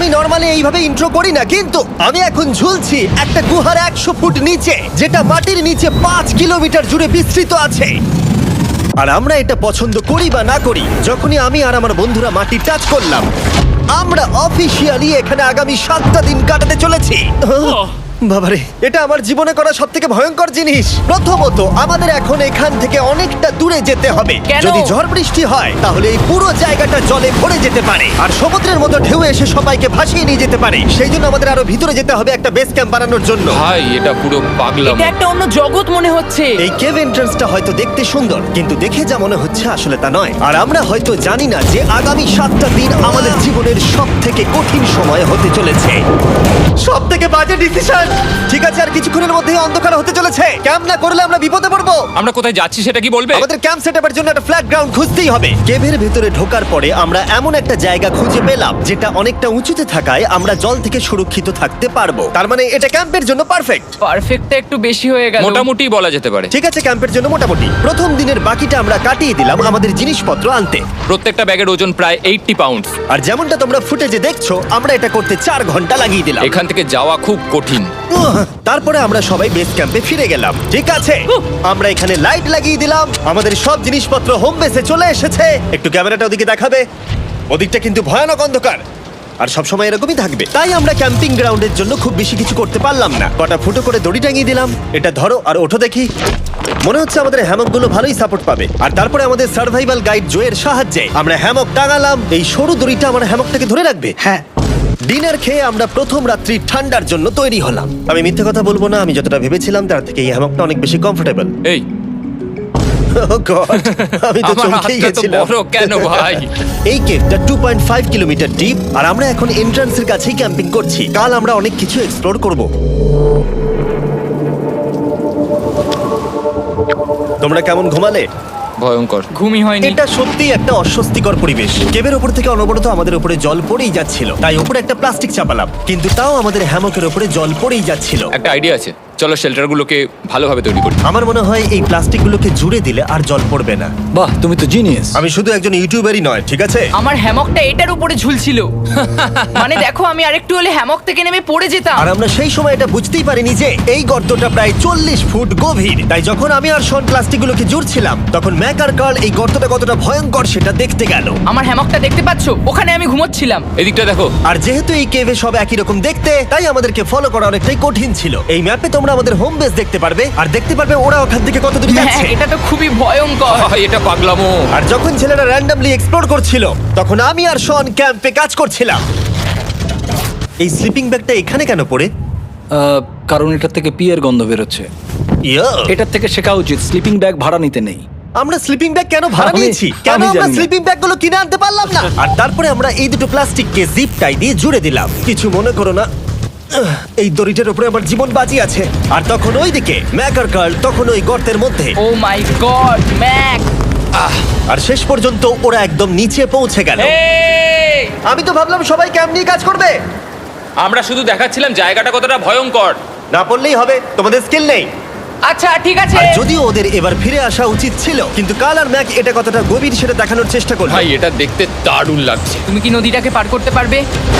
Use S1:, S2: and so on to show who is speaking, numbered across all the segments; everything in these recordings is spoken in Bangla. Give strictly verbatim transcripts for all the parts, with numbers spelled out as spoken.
S1: আমি নর্মালি এইভাবে ইন্ট্রো করি না, কিন্তু আমি এখন ঝুলছি একটা গুহার একশো ফুট নিচে, যেটা মাটির নিচে পাঁচ কিলোমিটার জুড়ে বিস্তৃত আছে। আর আমরা এটা পছন্দ করি বা না করি, যখনই আমি আর আমার বন্ধুরা মাটি টাচ করলাম, আমরা অফিসিয়ালি এখানে আগামী সাতটা দিন কাটাতে চলেছি। বাবারে, এটা আমার জীবনে করা সব থেকে ভয়ঙ্কর জিনিস। প্রথমত, আমাদের এখন এখান থেকে অনেকটা দূরে যেতে হবে।
S2: কেন?
S1: যদি ঝড় বৃষ্টি হয় তাহলে এই পুরো জায়গাটা জলে ভরে যেতে পারে, আর সমুদ্রের মতো ঢেউ এসে সবাইকে ভাসিয়ে নিয়ে যেতে পারে। সেই জন্য আমাদের আরো ভিতরে যেতে হবে একটা বেস ক্যাম্প বানানোর জন্য।
S3: ভাই এটা পুরো পাগলাম।
S2: এটা একটা অন্য জগৎ মনে হচ্ছে।
S1: এই কেভ এন্ট্রান্সটা হয়তো দেখতে সুন্দর, কিন্তু দেখে যা মনে হচ্ছে আসলে তা নয়। আর আমরা হয়তো জানি না যে আগামী সাতটা দিন আমাদের জীবনের সব থেকে কঠিন সময় হতে চলেছে। সব থেকে বাজে ডিসিশন। ঠিক আছে, আর কিছুক্ষণের মধ্যেই অন্ধকার হতে চলেছে। ক্যাম্প না করলে আমরা বিপদে পড়বো।
S3: আমরা কোথায় যাচ্ছি সেটা কি বলবে?
S1: আমাদের ক্যাম্প সেটআপের জন্য একটা ফ্ল্যাট গ্রাউন্ড খুঁজতেই হবে। কেভের ভেতরে ঢোকার পরে আমরা এমন একটা জায়গা খুঁজে পেলাম যেটা অনেকটা উঁচুতে থাকায় আমরা জল থেকে সুরক্ষিত থাকতে পারবো। তার মানে এটা ক্যাম্পের জন্য পারফেক্ট।
S2: পারফেক্টটা একটু বেশি হয়ে গেল।
S3: মোটামুটি বলা যেতে পারে।
S1: ঠিক আছে, ক্যাম্পের জন্য মোটামুটি। প্রথম দিনের বাকিটা আমরা কাটিয়ে দিলাম আমাদের জিনিসপত্র আনতে।
S3: প্রত্যেকটা ব্যাগের ওজন প্রায় আশি পাউন্ড।
S1: আর যেমনটা তোমরা ফুটেজে দেখছো, আমরা এটা করতে চার ঘন্টা লাগিয়ে দিলাম।
S3: এখান থেকে যাওয়া খুব কঠিন।
S1: উহ, তারপরে আমরা সবাই বেস ক্যাম্পে ফিরে গেলাম। ঠিক আছে, আমরা এখানে লাইট লাগিয়ে দিলাম। আমাদের সব জিনিসপত্র হোম বেসে চলে এসেছে। একটু ক্যামেরাটা ওদিকে দেখাবে? ওদিকটা কিন্তু ভয়ানক অন্ধকার, আর সবসময় এরকমই থাকবে। তাই আমরা ক্যাম্পিং গ্রাউন্ডের জন্য খুব বেশি কিছু করতে পারলাম না। কটা ফুটো করে দড়ি টাঙিয়ে দিলাম। এটা ধরো আর ওঠো দেখি। মনে হচ্ছে আমাদের হ্যামকগুলো ভালোই সাপোর্ট পাবে। আর তারপরে আমাদের সার্ভাইভাল গাইড জোয়ের সাহায্যে আমরা হ্যামক টাঙালাম। এই সরু দড়িটা আমার হ্যামকটাকে ধরে রাখবে। হ্যাঁ। ডিনার খেয়ে আমরা প্রথম রাত্রি ঠান্ডার জন্য তৈরি হলাম। আমি মিথ্যে কথা বলবো না, আমি যতটা ভেবেছিলাম তার থেকে এই হ্যামকটা অনেক বেশি কমফোর্টেবল।
S3: এই
S1: Oh God, আমি তো
S3: আমার
S1: চমকেই
S3: হাতটা তো
S1: গেছিলাম।
S3: বড় কেন ভাই?
S1: এই কেভটা two point five kilometre deep, আর আমরা এখন এন্ট্রান্সের কাছেই ক্যাম্পিং করছি। কাল আমরা অনেক কিছু এক্সপ্লোর করব। তোমরা কেমন ঘুমালে?
S3: ভয়ঙ্কর।
S2: ঘুমই হয়নি।
S1: এটা সত্যি একটা অস্বস্তিকর পরিবেশ। কেবের ওপর থেকে অনবরত আমাদের উপরে জল পড়েই যাচ্ছিল, তাই উপরে একটা প্লাস্টিক চাপালাম, কিন্তু তাও আমাদের হ্যামকের উপরে জল পড়েই যাচ্ছিল।
S3: একটা আইডিয়া আছে, চলো শেল্টারগুলোকে ভালোভাবে তৈরি করি।
S1: আমার মনে হয় এই প্লাস্টিকগুলোকে জুড়ে দিলে আর জল পড়বে না।
S4: বাহ, তুমি তো জিনিয়াস।
S1: আমি শুধু একজন ইউটিউবারই নয়, ঠিক আছে?
S2: আমার হ্যামকটা এটার উপরে ঝুলছিল। মানে দেখো, আমি আরেকটু হলে হ্যামক থেকে নেমে পড়ে যেতাম।
S1: আর আমরা সেই সময় এটা বুঝতেই পারিনি যে এই গর্তটা প্রায় চল্লিশ ফুট গভীর। তাই যখন আমি আর শন প্লাস্টিকগুলোকে জুড়ছিলাম, তখন ম্যাক আর কার্ল এই গর্তটা কতটা ভয়ঙ্কর সেটা দেখতে গেল।
S2: আমার হ্যামকটা দেখতে পাচ্ছো? ওখানে আমি ঘুমোচ্ছিলাম।
S3: এদিকটা দেখো।
S1: আর যেহেতু এই কেভে সব একই রকম দেখতে, তাই আমাদেরকে ফলো করা অনেকটাই কঠিন ছিল। এই ম্যাপে তোমরা আমাদের হোম বেস দেখতে পারবে, আর দেখতে পারবে ওরা ওখান থেকে কত দূরে
S2: হ্যাঁ,
S1: যাচ্ছে।
S2: এটা তো খুবই ভয়ঙ্কর।
S3: ভাই এটা পাগলামো।
S1: আর যখন ছেলেরা র্যান্ডমলি এক্সপ্লোর করছিল, তখন আমি আর শন ক্যাম্পে কাজ করছিলাম। এই স্লিপিং ব্যাগটা এখানে কেন পড়ে?
S4: আহ, কারণ এটার থেকে পিয়ের গন্ধ বেরোচ্ছে।
S1: ইয়া,
S4: এটার থেকে শেখা উচিত স্লিপিং ব্যাগ ভাড়া নিতে নেই।
S1: আমরা স্লিপিং ব্যাগ কেন ভাড়া
S4: আমি-
S1: নিয়েছি? কেন
S4: আমি
S1: আমরা
S4: জানি না।
S1: স্লিপিং ব্যাগগুলো কিনে আনতে পারলাম না? আর তারপরে আমরা এই দুটো প্লাস্টিককে জিপ টাই দিয়ে জুড়ে দিলাম। কিছু মনে করো না, আহ, এই দড়িটার উপরে আমার জীবন বাজি আছে। আর তখন ওইদিকে ম্যাক আর কার্ল তখন ওই গর্তের মধ্যে।
S2: ও মাই গড, ম্যাক!
S1: আর শেষ পর্যন্ত ওরা একদম নিচে পৌঁছে গেল।
S3: এই!
S1: আমি তো ভাবলাম সবাই ক্যাম্প নিয়ে কাজ করবে।
S3: আমরা শুধু দেখাচ্ছিলাম জায়গাটা কতটা ভয়ঙ্কর।
S1: না পড়লেই হবে, তোমাদের স্কিল নেই।
S2: আচ্ছা ঠিক আছে।
S1: আর যদিও ওদের এবার ফিরে আসা উচিত ছিল, কিন্তু কাল আর ম্যাক এটা কতটা গভীর সেটা দেখানোর চেষ্টা করলো।
S3: ভাই এটা দেখতে দারুণ লাগছে।
S2: তুমি কি নদীটাকে পার করতে পারবে?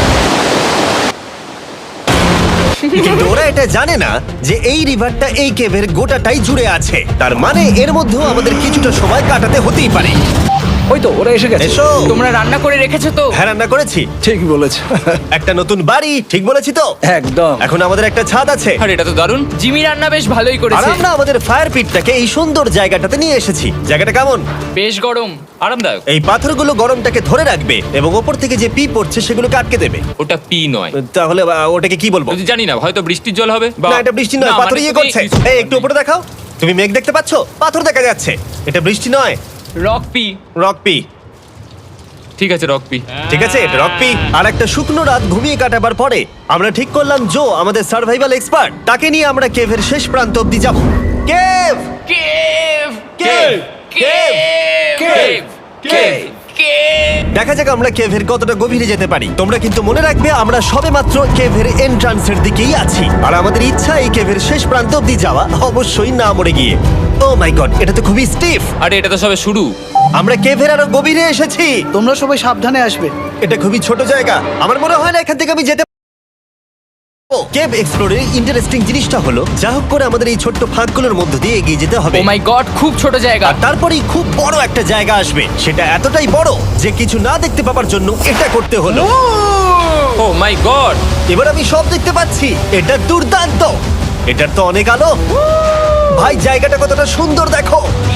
S1: কিন্তু ওরা এটা জানে না যে এই রিভারটা এই কেভের গোটাটাই জুড়ে আছে। তার মানে এর মধ্যেও আমাদের কিছুটা সময় কাটাতে হতেই পারে।
S4: ওই তো ওরা এসে গেছে।
S1: এসো।
S2: তোমরা রান্না করে রেখেছো তো?
S1: হ্যাঁ, রান্না করেছি।
S4: ঠিক বলেছ।
S1: একটা নতুন বাড়ি, ঠিক বলেছি তো?
S4: একদম।
S1: এখন আমাদের একটা ছাদ আছে।
S3: আর এটা তো দারুণ।
S2: জিমি রান্না বেশ ভালোই
S1: আর
S2: করেছে।
S1: আমরা আমাদের ফায়ার পিটটাকে এই সুন্দর জায়গাটাতে নিয়ে এসেছি। জায়গাটা কেমন?
S2: বেশ গরম।
S3: আরামদায়ক।
S1: এই পাথরগুলো গরমটাকে ধরে রাখবে এবং ওপর থেকে যে পি পড়ছে সেগুলোকে আটকে দেবে।
S3: ওটা পি নয়।
S1: তাহলে আহ, ওটাকে কি বলবো?
S3: যদি জানি না, হয়তো বৃষ্টির জল হবে বা
S1: না, এটা বৃষ্টি নয়,
S3: না,
S1: পাথর
S3: মানে
S1: ইয়ে
S3: তুমি
S1: করছে।
S3: কিছু-
S1: এই একটু উপরে দেখাও। তুমি মেঘ দেখতে পাচ্ছো? পাথর দেখা যাচ্ছে। এটা বৃষ্টি নয়,
S2: রক পি।
S1: Rock P.
S3: ঠিক আছে, রক পি।
S1: ঠিক আছে, এটা রক পি। আর একটা শুকনো রাত ঘুমিয়ে কাটাবার পরে আমরা ঠিক করলাম জো আমাদের সার্ভাইভাল এক্সপার্ট, তাকে নিয়ে আমরা কেভের শেষ প্রান্ত অব্দি যাব। Cave
S2: cave!
S1: Cave
S2: cave!
S1: Cave cave
S2: cave!
S1: দেখা যাক আমরা কেভের কতটা গভীরে যেতে পারি। তোমরা কিন্তু মনে রাখবে আমরা সবেমাত্র কেভের এন্ট্রান্সের দিকেই আছি, আর আমাদের ইচ্ছা এই কেভের শেষ প্রান্ত অব্দি যাওয়া, অবশ্যই না মরে গিয়ে। ও মাই গড, এটা তো খুবই স্টিফ।
S3: আরে এটা তো সবে শুরু।
S1: আমরা কেভের আরো গভীরে এসেছি।
S5: তোমরা সবাই সাবধানে আসবে।
S1: এটা খুবই ছোট জায়গা, আমার মনে হয় না এখান থেকে আমি যেতে কেভ এক্সপ্লোরের ইন্টারেস্টিং জিনিসটা হলো যা হোক করে আমাদের এই ছোট্ট ফাঁকগুলোর মধ্য দিয়ে এগিয়ে যেতে হবে।
S2: ও মাই গড, খুব ছোট জায়গা।
S1: আর তারপরেই খুব বড় একটা জায়গা আসবে, সেটা এতটাই বড় যে কিছু না দেখতে পাওয়ার জন্য এটা করতে হলো।
S3: Oh my god!
S1: এবার আমি সব দেখতে পাচ্ছি, এটা দুর্দান্ত। এটার তো অনেক আলো। ভাই জায়গাটা কতটা সুন্দর দেখো।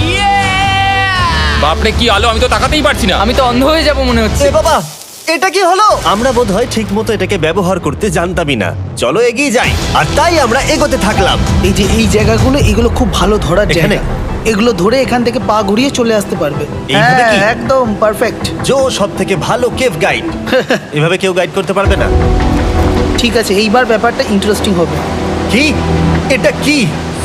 S3: বাপরে কি আলো, আমি তো তাকাতেই পারছি না।
S2: আমি তো অন্ধ হয়ে যাব মনে হচ্ছে।
S1: এ বাবা, এটা কি হলো? আমরা বোধহয় ঠিক মতো এটাকে ব্যবহার করতে জানতামই না। চলো এগিয়ে যাই। আর তাই আমরা এগোতে থাকলাম।
S5: এই যে এই জায়গাগুলো, এগুলো খুব ভালো ধরার
S1: এখানে?
S5: জায়গা। এগুলো ধরে এখান থেকে পা ঘুরিয়ে চলে আসতে পারবে।
S1: এইভাবে
S5: হ্যাঁ,
S1: কি?
S5: একদম পারফেক্ট।
S1: জো সব থেকে ভালো কেভ গাইড। এভাবে কেউ গাইড করতে পারবে না।
S5: ঠিক আছে, এইবার ব্যাপারটা ইন্টারেস্টিং হবে।
S1: কি? এটা কি?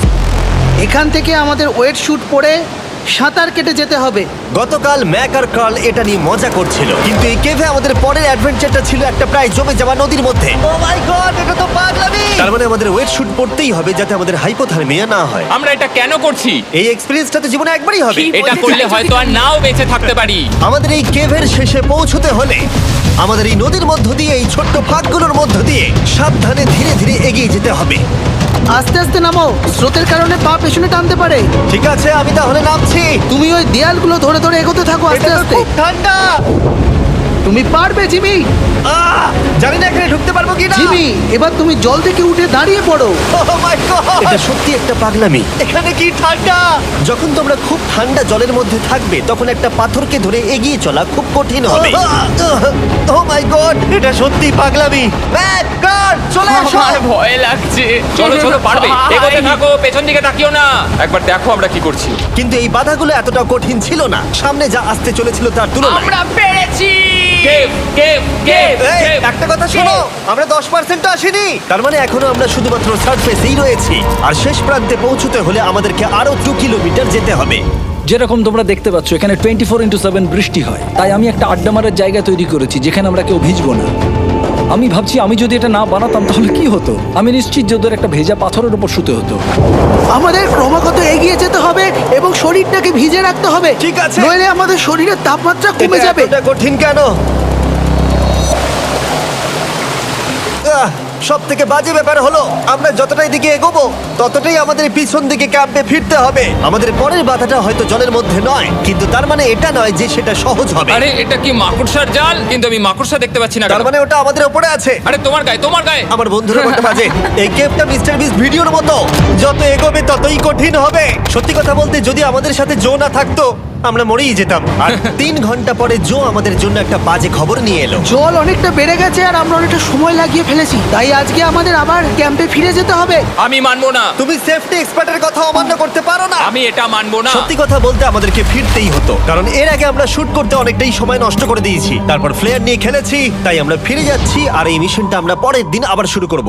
S5: এখান থেকে আমাদের ওয়েট শুট পরে সাঁতার কেটে যেতে হবে।
S1: গতকাল ম্যাক আর কার্ল এটা নিয়ে মজা করছিল, কিন্তু এই কেভে আমাদের পরের অ্যাডভেঞ্চারটা ছিল একটা প্রায় জমে যাওয়া নদীর মধ্যে। ও মাই গড, এটা তো পাগলামি! তার মানে আমাদের ওয়েট শুট পড়তেই হবে যাতে আমাদের হাইপোথার্মিয়া না হয়।
S3: আমরা এটা কেন করছি?
S1: এই এক্সপেরিয়েন্সটা তো জীবনে একবারই হবে।
S2: কি?
S3: এটা করলে হয়তো আর নাও বেঁচে থাকতে পারি।
S1: আমাদের এই কেভের শেষে পৌঁছতে হলে আমাদের এই নদীর মধ্য দিয়ে, এই ছোট্ট ফাঁকগুলোর মধ্য দিয়ে সাবধানে ধীরে ধীরে এগিয়ে যেতে হবে।
S5: আস্তে আস্তে নামো, স্রোতের কারণে পা পেছনে টানতে পারে।
S1: ঠিক আছে, আমি তাহলে নামছি।
S5: তুমি ওই দেয়ালগুলো ধরে ধরে এগোতে থাকো আস্তে
S1: এটা তো
S5: আস্তে।
S1: খুব ঠান্ডা।
S5: তুমি পারবে জিমি।
S1: আহ! জানি না এখানে ঢুকতে পারবো কি না।
S5: জিমি, এবার তুমি জল থেকে উঠে দাঁড়িয়ে পড়ো।
S1: এটা সত্যি একটা পাগলামি। এখানে কি ঠান্ডা! যখন তোমরা খুব ঠান্ডা জলের মধ্যে থাকবে তখন একটা পাথরকে ধরে এগিয়ে চলা খুব কঠিন হবে। ও মাই গড, এটা সত্যি পাগলামি। ম্যাক, গড, চলে আসো।
S2: আমার ভয় লাগছে।
S3: চলো চলো, পারবে।
S2: ভাই।
S3: এগোতে থাকো, পেছন দিকে তাকিও না। একবার দেখো আমরা কি করছি।
S1: কিন্তু এই বাধাগুলো এতটা কঠিন ছিল না সামনে যা আসতে চলেছিল তার তুলনায়।
S2: আমরা পেরেছি।
S3: কেভ কেভ কেভ
S1: এই,
S3: কেভ।
S1: একটা কথা শোনো, আমরা দশ পার্সেন্ট আসিনি। তার মানে এখনো আমরা শুধুমাত্র সার্ফেসেই রয়েছি, আর শেষ প্রান্তে পৌঁছতে হলে আমাদেরকে আরো দু কিলোমিটার যেতে হবে।
S4: যেরকম তোমরা দেখতে পাচ্ছ এখানে টোয়েন্টি ফোর ইন্টু সেভেন বৃষ্টি হয়, তাই আমি একটা আড্ডা মারার জায়গা তৈরি করেছি যেখানে আমরা কেউ ভিজবো না। আমি ভাবছি আমি যদি এটা না বানাতাম তাহলে কি হতো। আমি নিশ্চিত যে ওদের একটা ভেজা পাথরের উপর শুতে হতো।
S5: আমাদের ক্রমাগত এগিয়ে যেতে হবে এবং শরীরটাকে ভিজে রাখতে হবে।
S1: ঠিক আছে।
S5: নইলে আমাদের শরীরের তাপমাত্রা কমে
S1: এটা
S5: যাবে।
S1: এতটা কঠিন কেন? সব থেকে বাজে ব্যাপার হলো আমরা যতটাই দিকে এগোবো ততটাই আমাদের পিছন দিকে ক্যাম্পে ফিরতে হবে। আমাদের পরের বাধাটা হয়তো জলের মধ্যে নয়, কিন্তু তার মানে এটা নয় যে সেটা সহজ হবে।
S3: আরে এটা কি মাকড়সার জাল? কিন্তু আমি মাকড়সা দেখতে পাচ্ছি না।
S1: তার
S3: কেন?
S1: মানে ওটা আমাদের উপরে আছে।
S3: আরে তোমার গায়ে, তোমার গায়ে।
S1: আমার বন্ধুরা বলতে বাজে, এই গেমটা মিস্টার বিস ভিডিওর মতো, যত এগোবে ততই কঠিন হবে। সত্যি কথা বলতে যদি আমাদের সাথে জো না থাকতো আমরা মরেই যেতাম। আর তিন ঘন্টা পরে জো আমাদের জন্য একটা বাজে খবর নিয়ে এলো।
S5: জল অনেকটা বেড়ে গেছে আর আমরা অনেকটা সময় লাগিয়ে ফেলেছি, তাই আজকে আমাদের আবার ক্যাম্পে ফিরে যেতে হবে।
S3: আমি মানবো না।
S1: তুমি সেফটি এক্সপার্টের কথা অমান্য করতে পারো না।
S3: আমি এটা মানবো না।
S1: সত্যি কথা বলতে আমাদেরকে ফিরতেই হতো, কারণ এর আগে আমরা শুট করতে অনেকটাই সময় নষ্ট করে দিয়েছি। তারপর ফ্লেয়ার নিয়ে খেলেছি, তাই আমরা ফিরে যাচ্ছি আর এই মিশনটা আমরা পরের দিন আবার শুরু করব।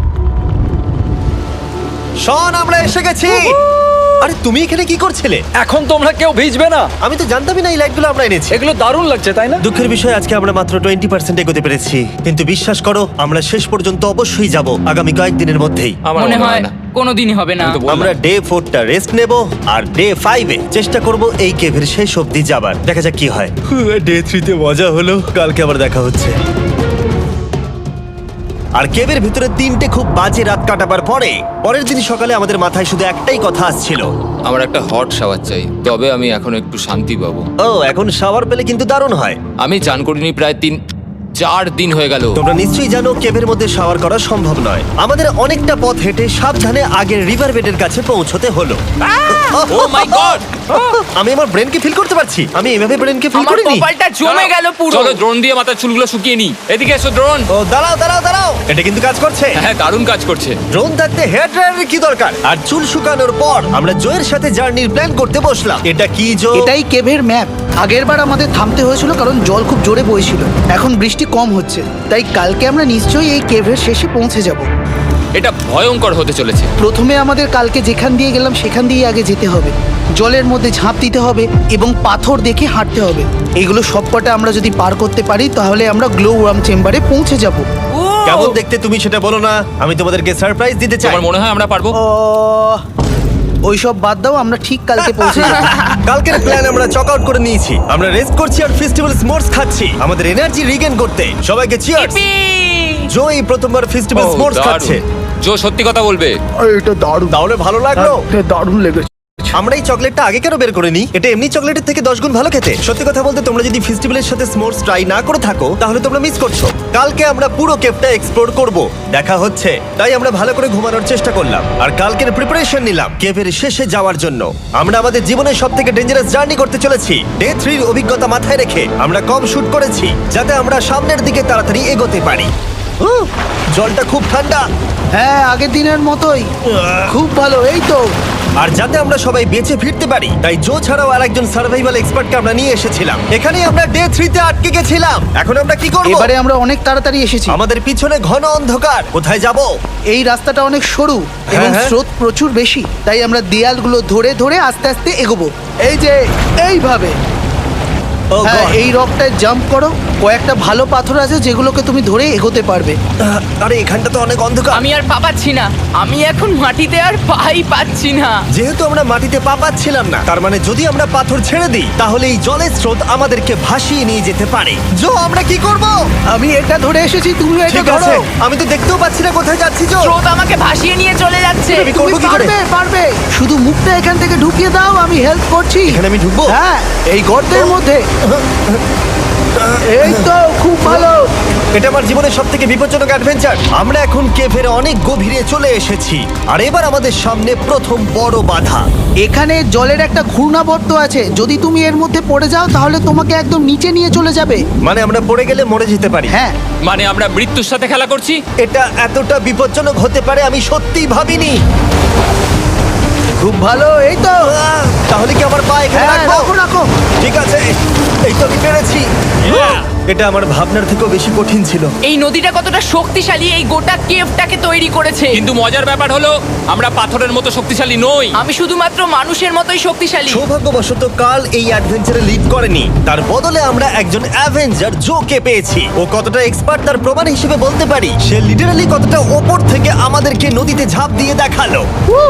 S1: শন, আমরা এসে গেছি। আরে তুমি এখানে কি করছিলে?
S4: এখন তোমরা কেউ ভিজবে না।
S1: আমি তো জানতামই না এই লাইটগুলো আমরা এনেছি।
S4: এগুলো দারুণ লাগছে তাই না?
S1: দুঃখের বিষয় আজকে আমরা মাত্র টোয়েন্টি পার্সেন্ট এগোতে পেরেছি, কিন্তু বিশ্বাস করো আমরা শেষ পর্যন্ত অবশ্যই যাব আগামী কয়েকদিনের মধ্যেই।
S3: আমার
S2: মনে হয় কোনোদিনই হবে না।
S3: আমি তো বললাম।
S1: আমরা ডে ফোরটা রেস্ট নেব আর ডে ফাইভে চেষ্টা করব এই কেভের শেষ অবধি যাবার। দেখা যাক কি হয়। ডে থ্রিতে মজা হলো, কালকে আবার দেখা হচ্ছে। আর কেভের ভিতরে তিনটে খুব বাজে রাত কাটাবার পরে পরের দিন সকালে আমাদের মাথায় শুধু একটাই কথা আসছিল,
S3: আমার একটা হট শাওয়ার চাই, তবে আমি এখন একটু শান্তি পাবো।
S1: ও এখন শাওয়ার পেলে কিন্তু দারুণ হয়।
S3: আমি চান করিনি প্রায় তিন চার দিন হয়ে গেল।
S1: তোমরা নিশ্চয়ই জানো কেভের মধ্যে শাওয়ার করা সম্ভব নয়। আমাদের অনেকটা পথ হেঁটে সাবধানে আগের রিভার বেডের কাছে পৌঁছতে হলো।
S3: Oh my god!
S1: আমি আমার ব্রেনকে ফিল করতে পারছি। আমি এভাবে ব্রেনকে ফিল
S2: আমার
S1: করিনি।
S2: কপালটা জমে গেল পুরো।
S3: চলো ড্রোন দিয়ে মাথার চুলগুলো শুকিয়ে নি। এদিকে এসো ড্রোন।
S1: ও দাঁড়াও দাঁড়াও দাঁড়াও, এটা কিন্তু কাজ করছে।
S3: হ্যাঁ, দারুণ কাজ করছে।
S1: ড্রোন থাকতে হেয়ার ড্রায়ারের কি দরকার? আর চুল শুকানোর পর আমরা জয়ের সাথে জার্নির প্ল্যান করতে বসলাম। এটা কি জো?
S5: এটাই কেভের ম্যাপ। আগেরবার আমাদের থামতে হয়েছিল কারণ জল খুব জোরে বইছিল। এখন বৃষ্টি কম হচ্ছে, তাই কালকে আমরা নিশ্চয়ই এই কেভের শেষে পৌঁছে যাব।
S3: এটা ভয়ঙ্কর হতে চলেছে।
S5: প্রথমে আমাদের কালকে যেখান দিয়ে গেলাম সেখান দিয়ে আগে যেতে হবে। জলের মধ্যে ঝাঁপ দিতে হবে এবং পাথর দেখে হাঁটতে হবে। এগুলো সবকটা আমরা যদি পার করতে পারি তাহলে আমরা গ্লো ওয়ার্ম চেম্বারে পৌঁছে যাব।
S1: কেমন দেখতে তুমি সেটা বলো না, আমি তোমাদেরকে সারপ্রাইজ দিতে চাই।
S3: তোমার মনে হয় আমরা পারবো?
S5: ওইসব বাদ দাও, আমরা ঠিক কালকে পৌঁছে যাব।
S1: কালকের প্ল্যান আমরা চক আউট করে নিয়েছি। আমরা রেস্ট করছি আর ফেস্টিভ্যাল স্মোর্টস খাচ্ছি আমাদের এনার্জি রিগেন করতে। সবাইকে চিয়ার্স।
S2: Yippee!
S1: জো এই প্রথমবার ফেস্টিভ্যাল
S3: ও,
S1: স্মোর্টস
S3: দারুণ।
S1: খাচ্ছে।
S3: জো সত্যি কথা বলবে।
S5: এটা দারুণ,
S1: তাহলে ভালো লাগলো?
S5: এটা দারুণ লেগেছে।
S1: আমরা এই চকলেটটা আগে কেন বের করে নিই? এটা এমনি চকলেটের থেকে দশ গুণ ভালো খেতে। সত্যি কথা বলতে তোমরা যদি ফেস্টিভ্যালের সাথে স্মোর্টস ট্রাই না করে থাকো তাহলে তোমরা মিস করছো। কালকে আমরা পুরো কেভটা এক্সপ্লোর করব, দেখা হচ্ছে। তাই আমরা ভালো করে ঘুমানোর চেষ্টা করলাম আর কালকের প্রিপারেশন নিলাম কেভের শেষে যাওয়ার জন্য। আমরা আমাদের জীবনের সব থেকে ডেঞ্জারাস জার্নি করতে চলেছি। ডে থ্রির অভিজ্ঞতা মাথায় রেখে আমরা কম শুট করেছি যাতে আমরা সামনের দিকে তাড়াতাড়ি এগোতে পারি। উহ, জলটা খুব ঠান্ডা
S5: হ্যাঁ, আগের দিনের মতোই খুব ভালো। এই তো
S1: আর যাতে আমরা সবাই বেঁচে ফিরতে পারি তাই জো ছাড়াও আর একজন সার্ভাইভাল এক্সপার্টকে আমরা নিয়ে এসেছিলাম। এখানেই আমরা ডে থ্রিতে আটকে গেছিলাম। এখন আমরা কি করব?
S5: এবারে আমরা অনেক তাড়াতাড়ি এসেছি।
S1: আমাদের পিছনে ঘন অন্ধকার, কোথায় যাব?
S5: এই রাস্তাটা অনেক সরু এবং
S1: হ্যাঁ।
S5: স্রোত প্রচুর বেশি, তাই আমরা দেয়ালগুলো ধরে ধরে আস্তে আস্তে এগোবো। এই যে এইভাবে।
S1: ও
S5: হ্যাঁ,
S1: God!
S5: এই রকটায় জাম্প করো। কয়েকটা ভালো পাথর আছে যেগুলোকে তুমি ধরে এগোতে পারবে।
S1: আহ, আরে এখানটা তো অনেক অন্ধকার।
S2: আমি আর পা পাচ্ছি না, আমি এখন মাটিতে আর পাই পাচ্ছি না।
S1: যেহেতু আমরা মাটিতে পা পাচ্ছিলাম না, তার মানে যদি আমরা পাথর ছেড়ে দিই তাহলে এই জলের স্রোত আমাদেরকে ভাসিয়ে নিয়ে যেতে পারে। জো, আমরা কি করব?
S5: আমি এটা ধরে এসেছি, তুমি এটা
S1: ঠিক
S5: ধরো।
S1: আছে, আমি তো দেখতেও পাচ্ছি না কোথায় যাচ্ছি। জো,
S2: স্রোত আমাকে ভাসিয়ে নিয়ে চলে যাচ্ছে।
S1: আমি
S5: তুমি
S1: করবো কি করে?
S5: পারবে, পারবে। শুধু মুখটা এখান থেকে ঢুকিয়ে দাও, আমি হেল্প করছি।
S1: এখানে আমি ঢুকবো?
S5: হ্যাঁ, এই গর্তের মধ্যে। এই তো, খুব ভালো।
S1: এটা আমার জীবনের সব থেকে বিপজ্জনক অ্যাডভেঞ্চার। আমরা এখন কেভের অনেক গভীরে চলে এসেছি আর এবার আমাদের সামনে প্রথম বড় বাধা।
S5: এখানে জলের একটা ঘূর্ণাবর্ত আছে, যদি তুমি এর মধ্যে পড়ে যাও তাহলে তোমাকে একদম নিচে নিয়ে চলে যাবে।
S1: মানে আমরা পড়ে গেলে মরে যেতে পারি।
S5: হ্যাঁ,
S3: মানে আমরা মৃত্যুর সাথে খেলা করছি।
S1: এটা এতটা বিপজ্জনক হতে পারে আমি সত্যিই ভাবিনি।
S5: খুব ভালো। এই তো,
S1: আহ, তাহলে কি আমার পা এখানে
S5: হ্যাঁ,
S1: রাখবো?
S5: রাখো রাখো।
S1: ঠিক আছে, এই তো আমি পেরেছি। এটা আমার ভাবনার থেকেও বেশি কঠিন ছিল।
S2: এই নদীটা কতটা শক্তিশালী এই গোটা কেভটাকে তৈরি করেছে।
S3: কিন্তু মজার ব্যাপার হলো আমরা পাথরের মতো শক্তিশালী নই।
S2: আমি শুধুমাত্র মানুষের মতোই শক্তিশালী।
S1: সৌভাগ্যবশত কাল এই অ্যাডভেঞ্চারে লিড করেনি, তার বদলে আমরা একজন অ্যাভেঞ্জার জোকে পেয়েছি। ও কতটা এক্সপার্ট তার প্রমাণ হিসেবে বলতে পারি। সে লিটারালি কতটা ওপর থেকে আমাদেরকে নদীতে ঝাঁপ দিয়ে দেখালো।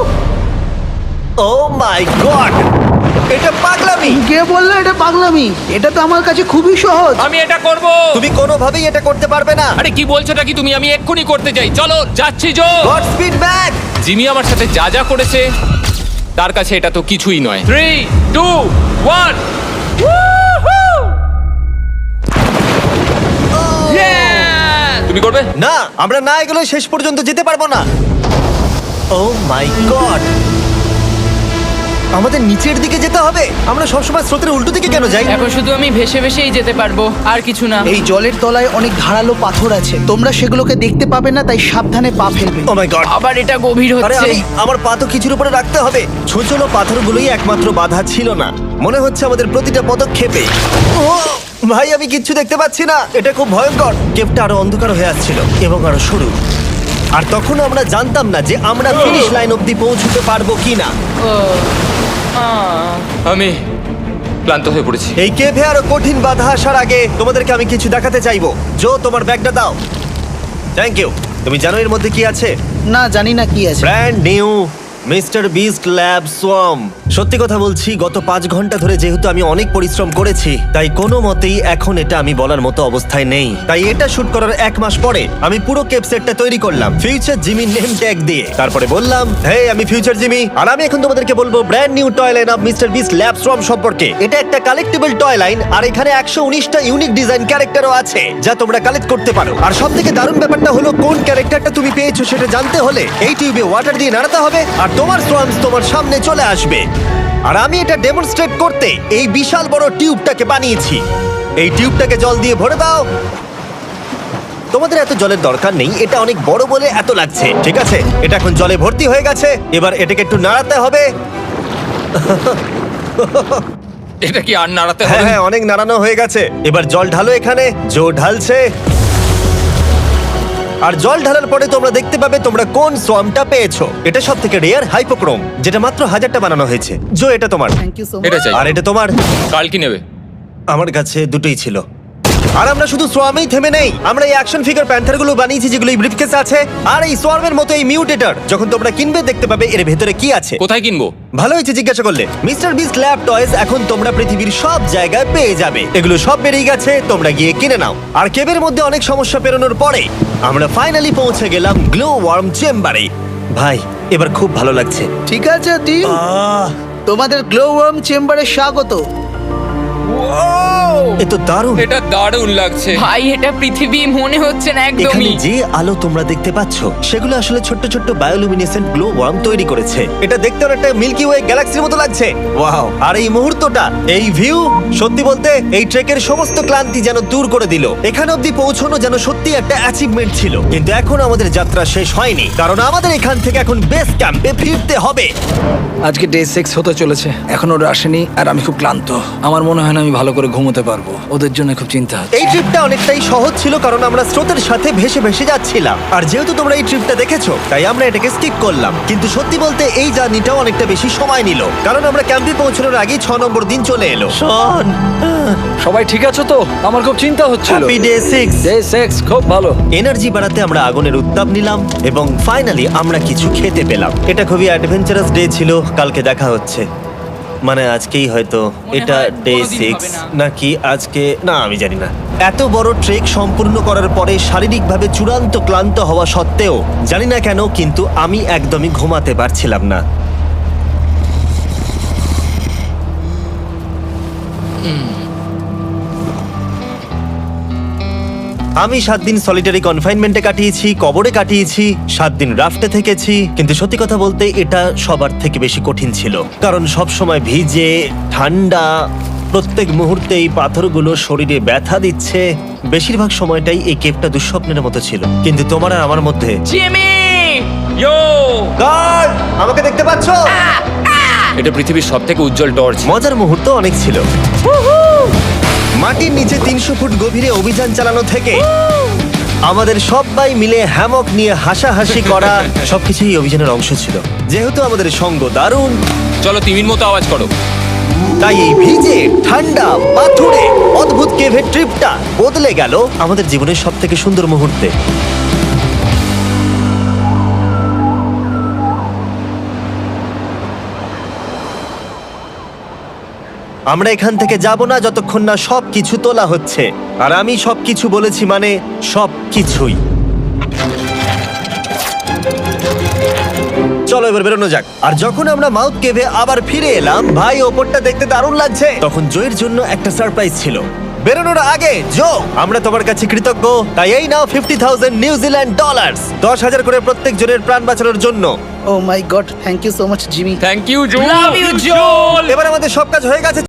S1: ও মাই গড, এটা পাগলামি।
S5: কে বললো এটা পাগলামি? এটা তো আমার কাছে খুবই সহজ।
S3: আমি এটা করব।
S1: তুমি কোনোভাবেই এটা করতে পারবে না।
S3: আরে কি বলছোটা কি তুমি? আমি এক্ষুনি করতে চাই। চলো যাচ্ছি Joe.
S1: God speed back.
S3: Jimmy আমার সাথে যা যা করেছে তার কাছে এটা তো কিছুই নয়। Three two one. তুমি করবে?
S1: না, আমরা না এগুলো শেষ পর্যন্ত যেতে পারবো না। ও মাই গড, আমাদের নিচের দিকে যেতে হবে। আমরা সবসময় স্রোতের উল্টো দিকে কেন যাই?
S2: এখন শুধু আমি ভেসে ভেসেই যেতে পারবো, আর কিছু না।
S5: এই জলের তলায় অনেক ধারালো পাথর আছে, তোমরা সেগুলোকে দেখতে পাবে না, তাই সাবধানে পা ফেলবে।
S1: ও মাই গড,
S2: আবার এটা গভীর
S1: আরে
S2: হচ্ছে।
S1: আমি আমার পা তো কিছুর উপরে রাখতে হবে। ছোট ছোট পাথরগুলোই একমাত্র বাধা ছিল না, মনে হচ্ছে আমাদের প্রতিটা পদক্ষেপে। ও ভাই, আমি কিচ্ছু দেখতে পাচ্ছি না। এটা খুব ভয়ঙ্কর। কেভটা আরো অন্ধকার হয়ে আসছিল এবং আরো সরু। আর তখন আমরা জানতাম না যে আমরা ফিনিশ লাইন অবধি পৌঁছতে পারবো কিনা।
S2: ও, আহ।
S3: আমি ক্লান্ত হয়ে পড়েছি।
S1: এই কেভে আরো কঠিন বাধা আসার আগে তোমাদেরকে আমি কিছু দেখাতে চাইবো। জো, তোমার ব্যাগটা দাও। Thank you. তুমি জানো এর মধ্যে কি আছে?
S5: না, জানি না কি আছে।
S1: Brand new mister Beast lab swarm. সত্যি কথা বলছি, গত পাঁচ ঘন্টা ধরে যেহেতু আমি অনেক পরিশ্রম করেছি, তাই কোনো মতেই এখন এটা আমি বলার মতো অবস্থায় নেই। তাই এটা শুট করার এক মাস পরে আমি পুরো কেপ সেটটা তৈরি করলাম ফিউচার জিমি নেম ট্যাগ দিয়ে। তারপরে বললাম, হে, আমি ফিউচার জিমি, আর আমি এখন তোমাদেরকে বলবো brand new toy line of mister Beast lab swarm সম্পর্কে। এটা একটা কালেক্টেবল টয় লাইন, আর এখানে একশো উনিশটা ইউনিক ডিজাইন ক্যারেক্টারও আছে যা তোমরা কালেক্ট করতে পারো। আর সব থেকে দারুণ ব্যাপারটা হলো, কোন ক্যারেক্টারটা তুমি পেয়েছো সেটা জানতে হলে এই টিউবে ওয়াটার দিয়ে নাড়াতে হবে আর তোমার সোয়ামস তোমার সামনে চলে আসবে। আর আমি এটা ডেমনস্ট্রেট করতে এই বিশাল বড় টিউবটাকে বানিয়েছি। এই টিউবটাকে জল দিয়ে ভরে দাও। তোমাদের এত জলের দরকার নেই, এটা অনেক বড় বলে এত লাগছে। ঠিক আছে, এটা এখন জলে ভর্তি হয়ে গেছে। এবার এটাকে একটু নাড়াতে হবে।
S3: এটা কি আর নাড়াতে
S1: হ্যাঁ
S3: হবে?
S1: হ্যাঁ, অনেক নাড়ানো হয়ে গেছে। এবার জল ঢালো এখানে। জো ঢালছে। আর জল ঢালার পরে তোমরা দেখতে পাবে তোমরা কোন সোয়ামটা পেয়েছো। এটা সব থেকে রেয়ার হাইপোক্রোম, যেটা মাত্র হাজারটা বানানো হয়েছে। জো, এটা তোমার।
S5: Thank you so much.
S3: এটা চাই।
S1: আর এটা তোমার।
S3: কাল কি নেবে?
S1: আমার কাছে দুটোই ছিল। আর আমরা শুধু সোয়ামেই থেমে নেই, আমরা এই অ্যাকশন ফিগার প্যান্থার গুলো বানিয়েছি যেগুলো এই ব্রিফকেসে আছে, আর এই সোয়ার্মের মতো এই মিউটেটর। যখন তোমরা কিনবে দেখতে পাবে এর ভেতরে কি আছে।
S3: কোথায় কিনবো?
S1: ভালো হয়েছে জিজ্ঞাসা করলে। মিস্টার বিস্ট ল্যাব টয়েস এখন তোমরা পৃথিবীর সব জায়গায় পেয়ে যাবে। এগুলো সব বেরিয়ে গেছে, তোমরা গিয়ে কিনে নাও। আর কেবের মধ্যে অনেক সমস্যা পেরোনোর পরে আমরা ফাইনালি পৌঁছে গেলাম গ্লো ওয়ার্ম চেম্বারে। ভাই এবার খুব ভালো লাগছে।
S5: ঠিক আছে টিম,
S1: আহ,
S5: তোমাদের গ্লো ওয়ার্ম চেম্বারে স্বাগত।
S1: এ তো দারুণ।
S3: এটা দারুণ লাগছে।
S2: ভাই এটা পৃথিবী মনে হচ্ছে না
S1: এখানে
S2: একদমই।
S1: যে আলো তোমরা দেখতে পাচ্ছ সেগুলো আসলে ছোট্ট ছোট্ট বায়োলুমিনেসেন্ট গ্লো ওয়ার্ম তৈরি করেছে। এটা দেখতে অনেকটা মিল্কি ওয়ে গ্যালাক্সির মতো লাগছে। ওয়াও! আর এই মুহূর্তটা, এই ভিউ, সত্যি বলতে এই ট্রেকের সমস্ত ক্লান্তি যেন দূর করে দিল। এখানে অবধি পৌঁছানো যেন সত্যি একটা অ্যাচিভমেন্ট ছিল। কিন্তু এখন আমাদের যাত্রা শেষ হয়নি, কারণ আমাদের এখান থেকে এখন বেস ক্যাম্পে ফিরতে হবে।
S4: আজকে ডে সিক্স হতে চলেছে, এখনো ওরা আসেনি আর আমি খুব ক্লান্ত। আমার মনে হয় না আমি ভালো করে ঘুমোতে পারবো, ওদের জন্য খুব চিন্তা হচ্ছে।
S1: এই ট্রিপটা অনেকটাই সহজ ছিল কারণ আমরা স্রোতের সাথে ভেসে ভেসে যাচ্ছিলাম। আর যেহেতু তোমরা এই ট্রিপটা দেখেছো তাই আমরা এটাকে স্কিপ করলাম। কিন্তু সত্যি বলতে এই জার্নিটাও অনেকটা বেশি সময় নিল, কারণ আমরা ক্যাম্পে পৌঁছানোর আগেই ছ নম্বর দিন চলে এলো। শন,
S4: সবাই ঠিক আছো তো? আমার খুব চিন্তা হচ্ছিল।
S1: Happy day six.
S4: Day six খুব ভালো।
S1: এনার্জি বাড়াতে আমরা আগুনের উত্তাপ নিলাম এবং ফাইনালি আমরা কিছু খেতে পেলাম। এটা খুবই অ্যাডভেঞ্চারাস ডে ছিল। কালকে দেখা হচ্ছে, মানে আজকেই হয়তো। এটা
S2: হয়
S1: ডে
S2: কোনোদিন
S1: সিক্স
S2: হবে না।
S1: নাকি আজকে, না আমি জানি না। এত বড় ট্রেক সম্পূর্ণ করার পরে শারীরিকভাবে চূড়ান্ত ক্লান্ত হওয়া সত্ত্বেও জানি না কেন কিন্তু আমি একদমই ঘুমাতে পারছিলাম না। আমি সাত দিন সলিটারি কনফাইনমেন্টে কাটিয়েছি, কবরে কাটিয়েছি, সাত দিন রাফটে থেকেছি। কিন্তু সত্যি কথা বলতে এটা সবার থেকে বেশি কঠিন ছিল, কারণ সব সময় ভিজে, ঠান্ডা, প্রত্যেক মুহূর্তে এই পাথরগুলো শরীরে ব্যথা দিচ্ছে। বেশিরভাগ সময়টাই এই কেপটা দুঃস্বপ্নের মতো ছিল। কিন্তু তোমার আর আমার মধ্যে
S2: জিমি!
S3: ইয়ো!
S1: গার্ড, আমাকে দেখতে পাচ্ছো?
S3: এটা পৃথিবীর সবথেকে উজ্জ্বল টর্চ।
S1: মজার মুহূর্ত অনেক ছিল। মাটির নিচে তিনশো ফুট গভীরে অভিযান চালানো থেকে আমাদের সবাই মিলে হ্যামক নিয়ে হাসাহাসি করা সবকিছুই এই অভিযানের অংশ ছিল। যেহেতু আমাদের সঙ্গ দারুণ,
S3: চলো তিমির মতো আওয়াজ করো।
S1: তাই এই ভিজে, ঠান্ডা, পাথুরে অদ্ভুত কেভের ট্রিপটা বদলে গেল আমাদের জীবনের সব থেকে সুন্দর মুহূর্তে। আমরা এখান থেকে যাব না যতক্ষণ না সব কিছু তোলা হচ্ছে। আর আমি সব কিছু বলেছি মানে সব কিছুই। চলো এবার বেরোনো যাক। আর যখন আমরা মাউথ কেভে আবার ফিরে এলাম, ভাই ওপরটা দেখতে দারুণ লাগছে। তখন জয়ের জন্য একটা সারপ্রাইজ ছিল। বেরোনোর আগে জো, আমরা তোমার কাছে কৃতজ্ঞ। তাই এই নাও ফিফটি থাউজেন্ড নিউজিল্যান্ড ডলার্স, দশ হাজার করে প্রত্যেক জনের প্রাণ বাঁচানোর জন্য।
S5: Oh my god, thank you so much Jimmy.
S3: Thank you Joe.
S2: Love you জোল!
S1: এবার আমাদের সব কাজ হয়ে গেছে।